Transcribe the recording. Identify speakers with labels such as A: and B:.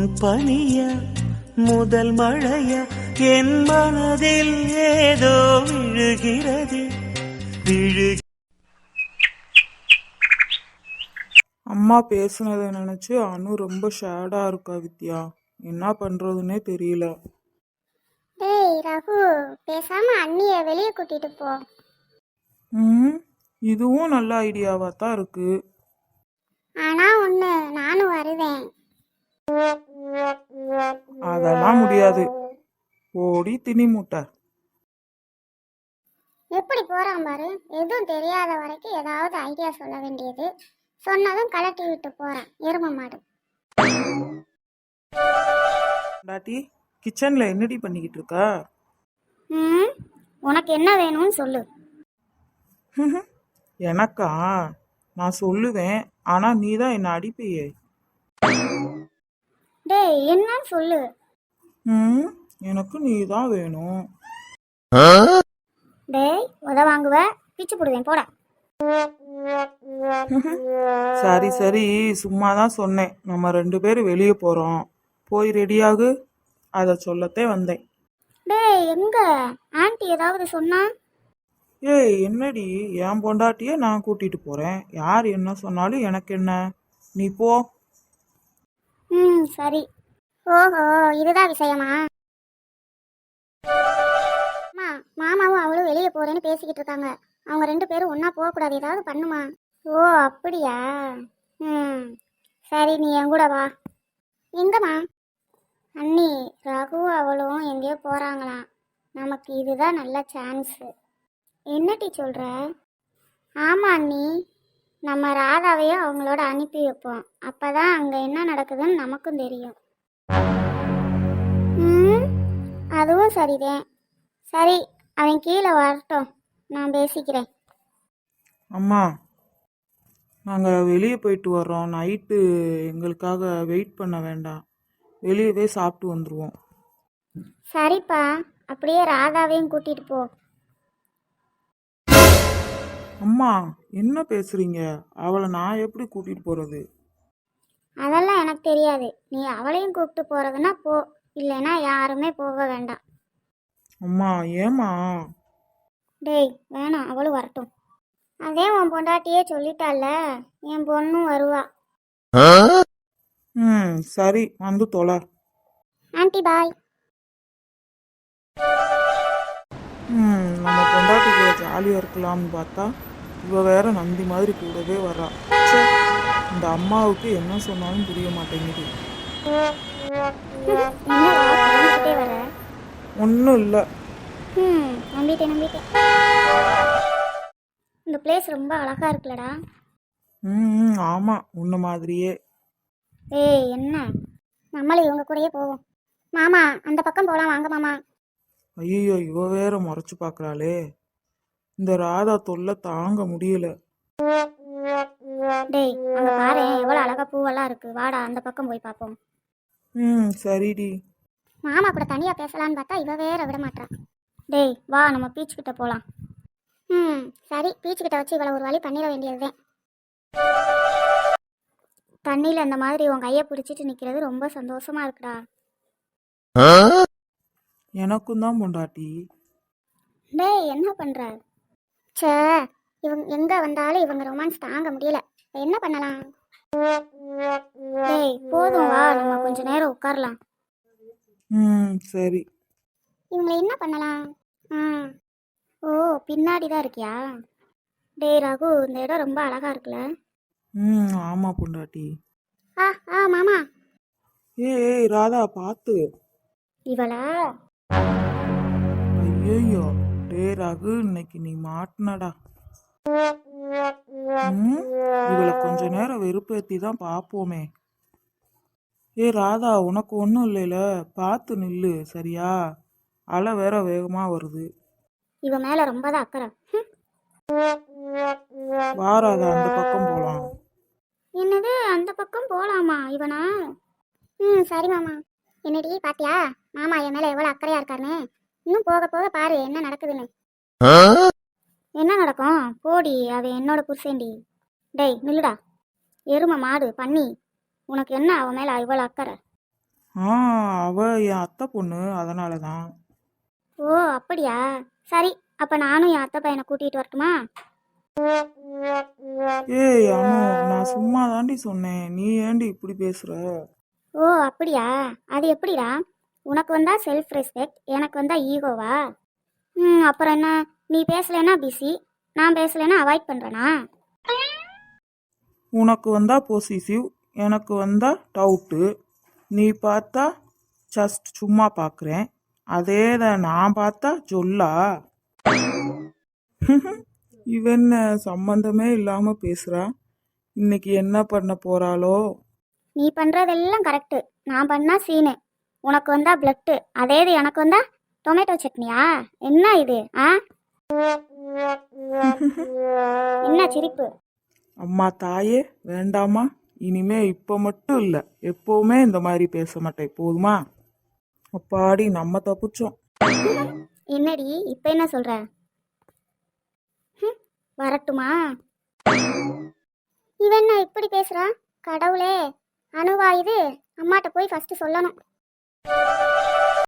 A: பனிய முதல் மழைய என் மனதில் ஏதோ விழுகிறது
B: அம்மா பேசுனதை நினைச்சு அனு ரொம்ப ஷேடா இருக்கா வித்யா. என்ன பண்றதுன்னே தெரியல.
C: டேய் ரகு, பேசாம அண்ணிய வெளியே கூட்டிட்டு போ.
B: இதுவும் நல்ல ஐடியாவா தான் இருக்கு.
C: ஆனா ஒண்ணு, நானும் வருவேன்.
B: அதெல்லாம் முடியாது. ஓடி திணி மூட்டை.
C: எப்படி போறான் பாரு. எதுவும் தெரியாத வரைக்கும் ஏதாவது ஐடியா சொல்ல வேண்டியது. சொன்னதும் கலட்டி விட்டு போறான் எரும மாடு.
B: டாட்டி கிச்சன்ல என்னடி பண்ணிக்கிட்டு இருக்கா?
C: உனக்கு என்ன வேணும்னு சொல்லு.
B: எனக்கா? நான் சொல்லுவேன், ஆனா நீ தான் என்ன அடிப்பையே.
C: டேய் என்னன்னு சொல்லு.
B: எனக்கு நீ தான் வேணும்.
C: டேய் உத வாங்குவ, பிச்சு போடுவேன் போட.
B: சரி சரி, சும்மா தான் சொன்னேன். நம்ம 2 பேரும் வெளியே போறோம், போய் ரெடியாகு. அத சொல்லத்தே வந்தேன்.
C: டேய் எங்க ஆன்ட்டி ஏதாவது சொன்னா?
B: ஏய் என்னடி, என் பொண்டாட்டிய நான் கூட்டிட்டு போறேன். யார் என்ன சொன்னாலும் எனக்கு என்ன, நீ போ.
C: சரி. ஓஹோ, இதுதான் விஷயமா? மாமாவும் அவளும் வெளியே போறேன்னு பேசிக்கிட்டு இருக்காங்க. அவங்க 2 பேரும் ஒன்னா போக கூடாது, ஏதாவது பண்ணுமா? ஓ அப்படியா? சரி, நீ என் கூட வா. எங்கம்மா? அண்ணி, ரகு அவளும் எங்கேயோ போறாங்களாம். நமக்கு இதுதான் நல்ல சான்ஸ். என்னட்டி சொல்ற? ஆமா அண்ணி, நம்ம ராதாவையும் அவங்களோட அனுப்பி வைப்போம். அப்பதான் அங்க என்ன நடக்குதுன்னு நமக்கும் தெரியும். அதுவும் சரிதான். சரி, அவன் கீழே வரட்டும், நான் பேசிக்கிறேன்.
B: அம்மா, நாங்கள் வெளியே போயிட்டு வர்றோம். நைட்டு எங்களுக்காக வெயிட் பண்ண வேண்டாம், வெளியவே சாப்பிட்டு வந்துடுவோம்.
C: சரிப்பா, அப்படியே ராதாவையும் கூட்டிட்டு போ.
B: அம்மா என்ன பேசுறீங்க? அவளை நான் எப்படி கூட்டிட்டு போறது?
C: அதெல்லாம் எனக்கு தெரியாது. நீ அவளையும் கூப்பிட்டு போறதுன்னா போ, இல்லைன்னா யாருமே போக வேண்டாம்.
B: அம்மா ஏமா?
C: டேய் வேணாம், அவளும் வரட்டும். அதே உன் பொண்டாட்டியே சொல்லிட்டால, என் பொண்ணும் வருவா.
B: சரி, வந்து தொலை.
C: Aunty bye.
B: நம்ம பொண்டாட்டி கூட ஜாலியாக இருக்கலாம்னு பார்த்தா இவ வேற நந்தி மாதிரி கூடவே வர்றா. இந்த அம்மாவுக்கு என்ன சொன்னாலும் புரிய மாட்டேங்குது. ஒன்றும் இல்லை.
C: நம்பிட்டேன். இந்த பிளேஸ் ரொம்ப அழகா இருக்குல்லடா.
B: ஆமா, உன்ன மாதிரியே.
C: ஏய் என்ன, நம்மளும் இவங்க கூடயே போவோம். மாமா அந்த பக்கம் போலாம், வாங்க மாமா.
B: ஐயோ, இவ வேற முறைச்சு பார்க்கறாளே. இந்த ராதா தொல்லை தாங்க முடியல.
C: டேய் அங்க பாரு, எவ்வளவு அழகா பூவெல்லாம் இருக்கு. வாடா அந்த பக்கம் போய் பார்ப்போம்.
B: சரிடி.
C: மாமா கூட தனியா பேசலான்னு பார்த்தா இவ வேற விட மாட்டா. டேய் வா, நம்ம பீச் கிட்ட போலாம். சரி, பீச் கிட்ட வச்சு இவளை ஒரு வழி பண்ணிட வேண்டியதுதான். தண்ணியில அந்த மாதிரி உன் கையை பிடிச்சிட்டு நிக்கிறது ரொம்ப சந்தோஷமா இருக்குடா.
B: எனக்கும் தான் பொண்டாட்டி.
C: டேய் என்ன பண்ற? சே, இவங்க எங்க வந்தாலும் இவங்க ரொமான்ஸ் தாங்க முடியல. என்ன பண்ணலாம்? டேய் போதும், வா நம்ம கொஞ்ச நேரம் உட்காரலாம்.
B: சரி.
C: இவங்களை என்ன பண்ணலாம்? ஓ பின்னாடி தான் இருக்கியா? டேய் ரகு, இந்த இடம் ரொம்ப அழகா இருக்குல்ல?
B: ஆமா பொண்டாட்டி.
C: மாமா.
B: ஏய் ராதா, பார்த்து.
C: இவளா?
B: ஐயோ, டே ரகு, இன்னைக்கு நீ மாட்டினடா. இவளை கொஞ்ச நேரம் வெறுப்பேத்தி தான் பார்ப்போமே. ராதா, உனக்கு ஒன்றும் இல்லைல, பார்த்து நில்லு சரியா? அலை வேற வேகமா வருது.
C: இவ மேல ரொம்ப தான் அக்கறை.
B: வா ராதா, அந்த பக்கம் போலாம்.
C: என்னது, அந்த பக்கம் போலாமா? இவனா? சரி மாமா. என்னடி பாத்தியா மாமா என் மேல எவ்வளவு அக்கறையா இருக்காருன்னு? இன்னும் போக போக பாரு என்ன நடக்குதுன்னு. என்ன நடக்கும்? போடி, அவ என்னோட புருஷன்டி. டேய் நில்லுடா, எரும மாடு பண்ணி. உனக்கு என்ன அவன் மேல இவ்வளவு அக்கறை?
B: ஆ அவ என் அத்தை பொண்ணு, அதனால தான்.
C: ஓ அப்படியா? சரி, அப்போ நானும் என் அத்தை பையனை கூட்டிகிட்டு வரட்டுமா?
B: ஏய் அனு, நான் சும்மா தாண்டி சொன்னேன், நீ ஏண்டி இப்படி பேசுற?
C: ஓ அப்படியா? அது எப்படிடா? உனக்கு வந்தா செல்ஃப் ரெஸ்பெக்ட், எனக்கு வந்தா ஈகோவா? அப்புறம் என்ன? நீ பேசலைன்னா பிஸி, நான் பேசலைன்னா அவாய்ட் பண்ணுறேனா?
B: உனக்கு வந்தா பொசிசிவ், எனக்கு வந்தா டவுட்டு. நீ பார்த்தா ஜஸ்ட் சும்மா பார்க்குறேன், அதே தான் நான் பார்த்தா சொல்லா. இவன் சம்பந்தமே இல்லாம பேசுறா. இன்னைக்கு என்ன பண்ண போறாளோ?
C: நீ பண்ணுறதெல்லாம் கரெக்டு, நான் பண்ணா சீனு. உனக்கு வந்தா பிளட்டு, அதே இது எனக்கு வந்தா டொமேட்டோ சட்னியா? என்ன இது? என்ன சிரிப்பு?
B: அம்மா தாயே, வேண்டாமா? இனிமே இப்போ மட்டும் இல்லை, எப்பவுமே இந்த மாதிரி பேச மாட்டேன், போதுமா? அப்பாடி, நம்ம தப்பிச்சோம்.
C: என்னடி இப்போ என்ன சொல்ற? வரட்டுமா? இவன் என்ன இப்படி பேசுறா? கடவுளே, அணுவா இது? அம்மாட்ட போய் ஃபர்ஸ்ட் சொல்லணும்.